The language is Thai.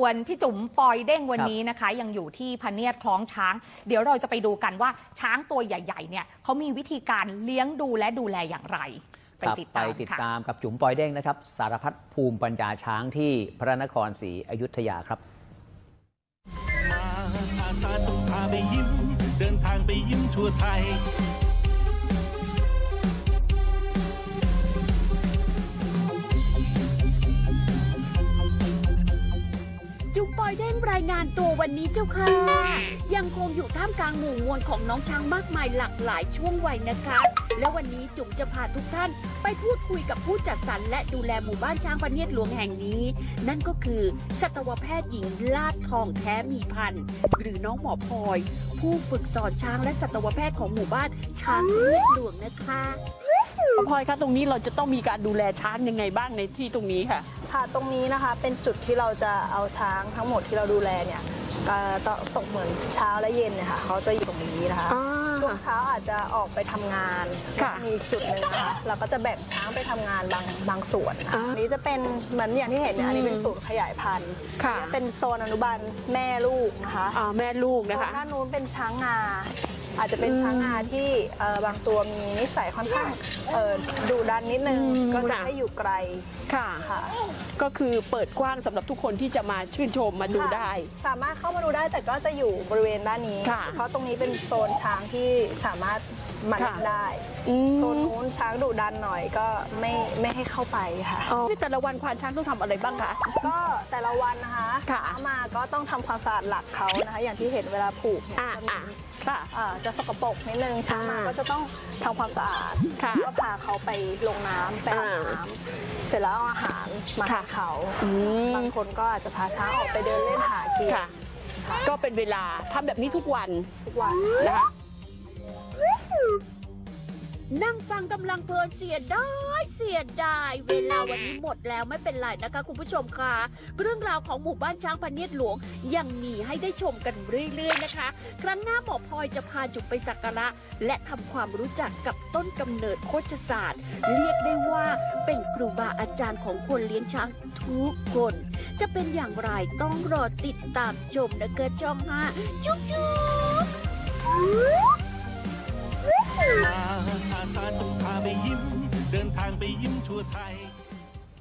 ส่วนพี่จุ๋มปอยเด้งวันนี้นะคะยังอยู่ที่พเนียดคล้องช้างเดี๋ยวเราจะไปดูกันว่าช้างตัวใหญ่ๆเนี่ยเขามีวิธีการเลี้ยงดูและดูแลอย่างไรไปติดตามกับจุ๋มปอยเด้งนะครับสารพัดภูมิปัญญาช้างที่พระนครศรีอยุธยาครับมาอาสาต้องพาไปยิ้มเดินทางไปยิ้มทั่วไทยจุ๋มปอยเด้งรายงานตัววันนี้เจ้าค่ะยังคงอยู่ท่ามกลางหมู่มวลของน้องช้างมากมายหลากหลายช่วงวัยนะคะและวันนี้จุ๋มจะพาทุกท่านไปพูดคุยกับผู้จัดสรรและดูแลหมู่บ้านช้างพเนียดหลวงแห่งนี้นั่นก็คือสัตวแพทย์หญิงลาดทองแท้มีพันธุ์หรือน้องหมอพลอยผู้ฝึกสอนช้างและสัตวแพทย์ของหมู่บ้านช้างพเนียดหลวงนะคะพลอยคะตรงนี้เราจะต้องมีการดูแลช้างยังไงบ้างในที่ตรงนี้ค่ะตรงนี้นะคะเป็นจุดที่เราจะเอาช้างทั้งหมดที่เราดูแลเนี่ยตกเหมือนเช้าและเย็นเนี่ยค่ะเขาจะอยู่ตรงนี้นะคะช่วงเช้าอาจจะออกไปทำงานมีจุดหนึ่งนะคะเราก็จะแบ่งช้างไปทำงานบางส่วนอันนี้จะเป็นเหมือนอย่างที่เห็นเนี่ยอันนี้เป็นศูนย์ขยายพันธุ์เป็นโซนอนุบาลแม่ลูกนะคะแม่ลูกนะคะด้านนู้นเป็นช้างงาอาจจะเป็นช้างงาที่บางตัวมีนิสัยค่อนข้างดุดันนิดนึงก็จะให้อยู่ไกลค่ะก็คือเปิดกว้างสำหรับทุกคนที่จะมาชื่นชมมาดูได้สามารถเข้ามาดูได้แต่ก็จะอยู่บริเวณด้านนี้เพราะตรงนี้เป็นโซนช้างที่สามารถมาเล่นได้โซนนู้นช้างดุดันหน่อยก็ไม่ให้เข้าไปค่ะแต่ละวันควานช้างต้องทำอะไรบ้างคะก็แต่ละวันนะคะมาก็ต้องทำความสะอาดหลักเขานะคะอย่างที่เห็นเวลาผูกจะสกปรกนิดนึงช้างมาก็จะต้องทำความสะอาดก็พาเขาไปลงน้ำไปอาบน้ำเสร็จแล้วเอาอาหารมาให้เขาบางคนก็อาจจะพาช้างออกไปเดินเล่นหากินก็เป็นเวลาทำแบบนี้ทุกวันนะคะนั่งฟังกำลังเพลินเสียดายเวลาวันนี้หมดแล้วไม่เป็นไรนะคะคุณผู้ชมค่ะเรื่องราวของหมู่บ้านช้างพเนียดหลวงยังมีให้ได้ชมกันเรื่อยๆนะคะครั้งหน้าหมอพลอยจะพาจุ๋มไปสักการะและทำความรู้จักกับต้นกำเนิดโคชศาสตร์เรียกได้ว่าเป็นครูบาอาจารย์ของคนเลี้ยงช้างทุกคนจะเป็นอย่างไรต้องรอติดตามชมนะคะช่อง5จุ๊บมาอาสาต้องพาไปยิ้มเดินทางไปยิ้มทั่วไทย